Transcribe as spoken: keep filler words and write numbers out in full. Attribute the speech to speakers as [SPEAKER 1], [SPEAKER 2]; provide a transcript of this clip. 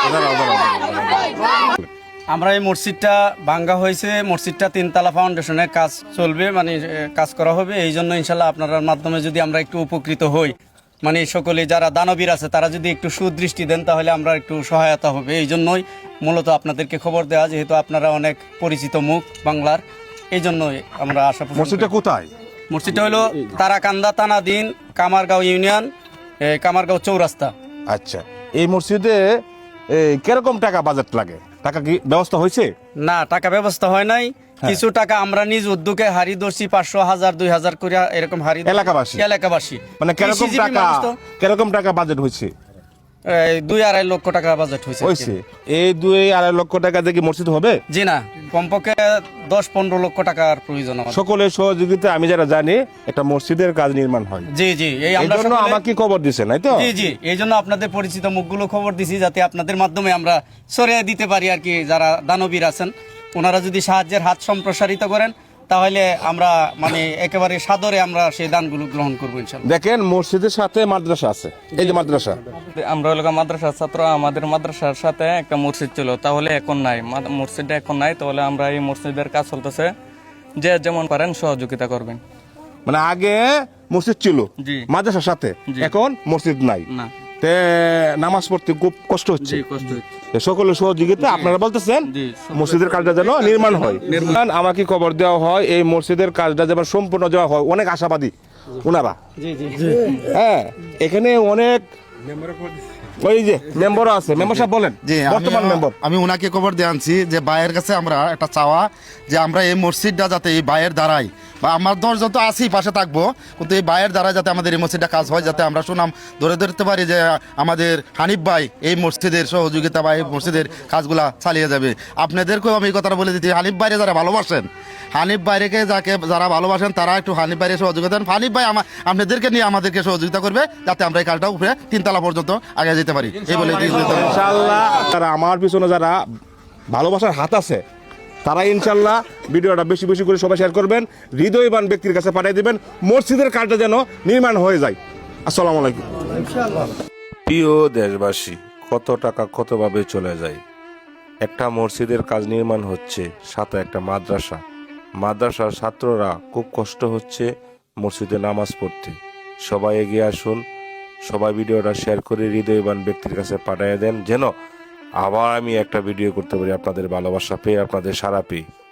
[SPEAKER 1] আমরা এই মসজিদটা ভাঙ্গা হয়েছে, মসজিদটা তিনতলা ফাউন্ডেশনের কাজ চলবে, মানে কাজ করা হবে। এই জন্য ইনশাল্লাহ আপনার মাধ্যমে যদি আমরা একটু উপকৃত হই, মানে সকলে যারা দানবীর আছে তারা যদি একটু সুদৃষ্টি দেন তাহলে আমরা একটু সহায়তা হবে। এই জন্যই মূলত আপনাদেরকে খবর দেওয়া, যেহেতু আপনারা অনেক পরিচিত মুখ বাংলার, এই জন্যই আমরা আশা।
[SPEAKER 2] মসজিদটা কোথায়?
[SPEAKER 1] মসজিদটা হলো তারাকান্দা থানাধীন কামারগাঁও ইউনিয়ন, কামারগাঁও চৌরাস্তা।
[SPEAKER 2] আচ্ছা, এই মসজিদে কিরকম টাকা বাজেট লাগে? টাকা কি ব্যবস্থা হয়েছে?
[SPEAKER 1] না, টাকা ব্যবস্থা হয় নাই। কিছু টাকা আমরা নিজ উদ্যোগে হারি ধরছি, পাঁচশো হাজার দুই হাজার করে এরকম হারি
[SPEAKER 2] এলাকাবাসী
[SPEAKER 1] এলাকাবাসী
[SPEAKER 2] মানে কিরকম টাকা কিরকম টাকা বাজেট হয়েছে?
[SPEAKER 1] দুই আড়াই লক্ষ টাকা বাজেট হয়েছে।
[SPEAKER 2] হয়েছে এই দুই আড়াই লক্ষ টাকা দিয়ে কি মসজিদ হবে?
[SPEAKER 1] জি না, কমপক্ষে দশ পনেরো লক্ষ টাকার প্রয়োজন।
[SPEAKER 2] সকলের সহযোগিতা আমি যারা জানি একটা মসজিদের কাজ নির্মাণ হয়।
[SPEAKER 1] জি জি, এই
[SPEAKER 2] আমরা আমাকে খবর দিছেন, তাই তো?
[SPEAKER 1] জি জি, এই জন্য আপনাদের পরিচিত মুখগুলো খবর দিছি, যাতে আপনাদের মাধ্যমে আমরা সরিয়ে দিতে পারি আর কি। যারা দানবীর আছেন ওনারা যদি সাহায্যের হাত সম্প্রসারিত করেন তাহলে আমরা মানে একেবারে সাদরে আমরা সেই দানগুলো গ্রহণ করবো ইনশাআল্লাহ।
[SPEAKER 2] দেখেন মসজিদের সাথে মাদ্রাসা আছে, এই যে মাদ্রাসা,
[SPEAKER 3] আমরা এলাকা মাদ্রাসার ছাত্র, আমাদের মাদ্রাসার সাথে একটা মসজিদ ছিল, তাহলে এখন নাই, মসজিদটা এখন নাই। তাহলে আমরা এই মসজিদের কাজ চলতেছে, যে যেমন পারেন সহযোগিতা করবেন।
[SPEAKER 2] মানে আগে মসজিদ ছিল মাদ্রাসার সাথে, এখন মসজিদ নাই, তে নামাজ পড়তে খুব কষ্ট হচ্ছে। সকলের সহযোগিতা আপনারা বলতেছেন মসজিদের কাজটা যেন নির্মাণ হয়। নির্মাণ আমাকে খবর দেওয়া হয় এই মসজিদের কাজটা যেন সম্পূর্ণ দেওয়া হয়। অনেক আশাবাদী ওনারা। হ্যাঁ, এখানে অনেক ওই যে মেম্বারও আছে। মেম্বার সাহেব বলেন।
[SPEAKER 4] জি, বর্তমান মেম্বার আমি ওনাকে খবর দিয়ে আনছি যে ভাইয়ের কাছে আমরা একটা চাওয়া, যে আমরা এই মসজিদটা যাতে এই ভাইয়ের দ্বারাই, বা আমার দশ যত আছি পাশে থাকবো, কিন্তু এই ভাইয়ের দ্বারা যাতে আমাদের এই মসজিদটা কাজ হয়, যাতে আমরা সুনাম ধরে ধরতে পারি যে আমাদের হানিফ ভাই এই মসজিদের সহযোগিতা বা এই মসজিদের কাজগুলা চালিয়ে যাবে। আপনাদেরকেও আমি এই কথাটা বলে দিচ্ছি, হানিফ ভাইরে যারা ভালোবাসেন, হানিফ ভাইকে যাকে যারা ভালোবাসেন তারা একটু হানিফ ভাইরে সহযোগিতা দেন। হানিফ ভাই আপনাদেরকে নিয়ে আমাদেরকে সহযোগিতা করবে, যাতে আমরা এই কাজটা উপরে তিনতলা পর্যন্ত আগে যেতে পারি। এই বলে
[SPEAKER 2] ইনশাআল্লাহ যারা আমার পিছনে যারা ভালোবাসার হাত আছে তারা ইনশাআল্লাহ ভিডিওটা বেশি বেশি করে সবাই শেয়ার করবেন, হৃদয়বান ব্যক্তির কাছে পাঠিয়ে দিবেন, মসজিদের কাজটা যেন নির্মাণ হয়ে যায়। আসসালামু আলাইকুম।
[SPEAKER 5] প্রিয় দেশবাসী, কত টাকা কতভাবে চলে যায়। একটা মসজিদের কাজ নির্মাণ হচ্ছে, সাথে একটা মাদ্রাসা, মাদ্রাসার ছাত্ররা খুব কষ্ট হচ্ছে মসজিদে নামাজ পড়তে। সবাই এগিয়ে আসুন, সবাই ভিডিওটা শেয়ার করে হৃদয়বান ব্যক্তির কাছে পাঠিয়ে দেন, যেন আবার আমি একটা ভিডিও করতে পারি আপনাদের ভালোবাসা পেয়ে, আপনাদের সাড়া পেয়ে।